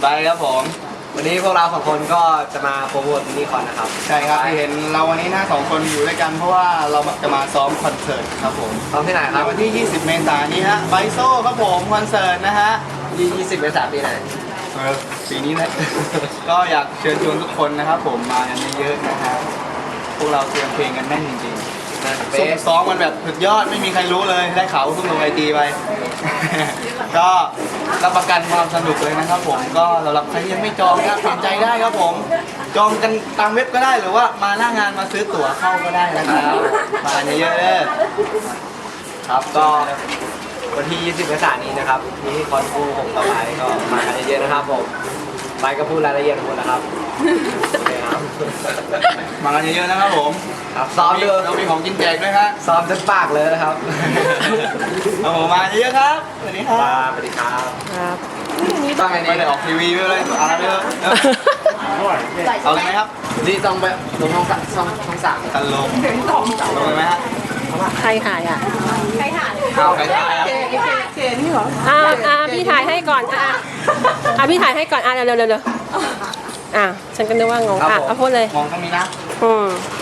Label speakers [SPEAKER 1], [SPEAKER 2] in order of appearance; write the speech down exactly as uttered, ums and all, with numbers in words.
[SPEAKER 1] ไปครับผม
[SPEAKER 2] วันนี้พวกเราสองคนก็จะมาโปรโมทมินิคอนนะครับ
[SPEAKER 1] ใช่ครับที่เห็นเราวันนี้หน้าสองคนอยู่ด้วยกันเพราะว่าเราจะมาซ้อมคอนเสิร์ตครับผม
[SPEAKER 2] ซ้อมที่ไหนครับ
[SPEAKER 1] วันที่ยี่สิบเมษายนนี้ฮะไบโซ่ครับผมคอนเสิร์ตนะฮะ
[SPEAKER 2] ยี่สิบเมษายนปีไหน
[SPEAKER 1] เออปีนี้แหละ ก็อยากเชิญชวนทุกคนนะครับผมมากันเยอะๆนะฮะพวกเราเตรียมเพลงกันแน่นจริงๆ
[SPEAKER 2] เบ
[SPEAKER 1] ซุ่ม
[SPEAKER 2] ส
[SPEAKER 1] ซ้อมกันแบบสุดยอดไม่มีใครรู้เลยได้ข่าวซุ่มลงไอจีไป ก็รับประกันความสนุกเลยนะครับผมก็สำหรับใครที่ยังไม่จองนะครับเปลี่ยนใจได้ครับผมจองกันตามเว็บก็ได้หรือว่ามาหน้างานมาซื้อตั๋วเข้าก็ได้นะครับมากันเยอะๆเลยครับก็
[SPEAKER 2] วันที่ยี่สิบเมษายนนี้นะครับมินิคอนฟูหกต่อไปก็มากันเยอะๆนะครับผมไปก็พูดรายละเอียดหมดนะครับโอเคครับ
[SPEAKER 1] มากันเยอะๆนะครับผม
[SPEAKER 2] ครับซ้อมดู
[SPEAKER 1] เรามีของกินแจกด้วยครับ
[SPEAKER 2] ซ้อมจนปากเลยนะครับ
[SPEAKER 1] เอาผมมาเยอะๆครับสวัสดีครับ
[SPEAKER 2] มาสวัสดีครับ
[SPEAKER 3] ครับ
[SPEAKER 1] ตั้งไงดีไม่ได้ออกทีวีไปเลยอะไรไปเลยเอาเลยไหมครับ
[SPEAKER 2] นี่ต้องไปลงช่องสามช่องช่องสาม
[SPEAKER 1] ตันลงลงเลยไหมฮะ
[SPEAKER 3] ใครถ่ายอ่ะ
[SPEAKER 1] เอาใครถ่ายครับ
[SPEAKER 3] อ่าอ่าพี่ถ่ายให้ก่อน อ่าอ่าพี่ถ่ายให้ก่อน อ่าเร็วเร็วเร็วอ่าฉันก็นึกว่างง อ่ะเอาพูดเลย
[SPEAKER 1] มองตรงนี้นะ
[SPEAKER 3] อืม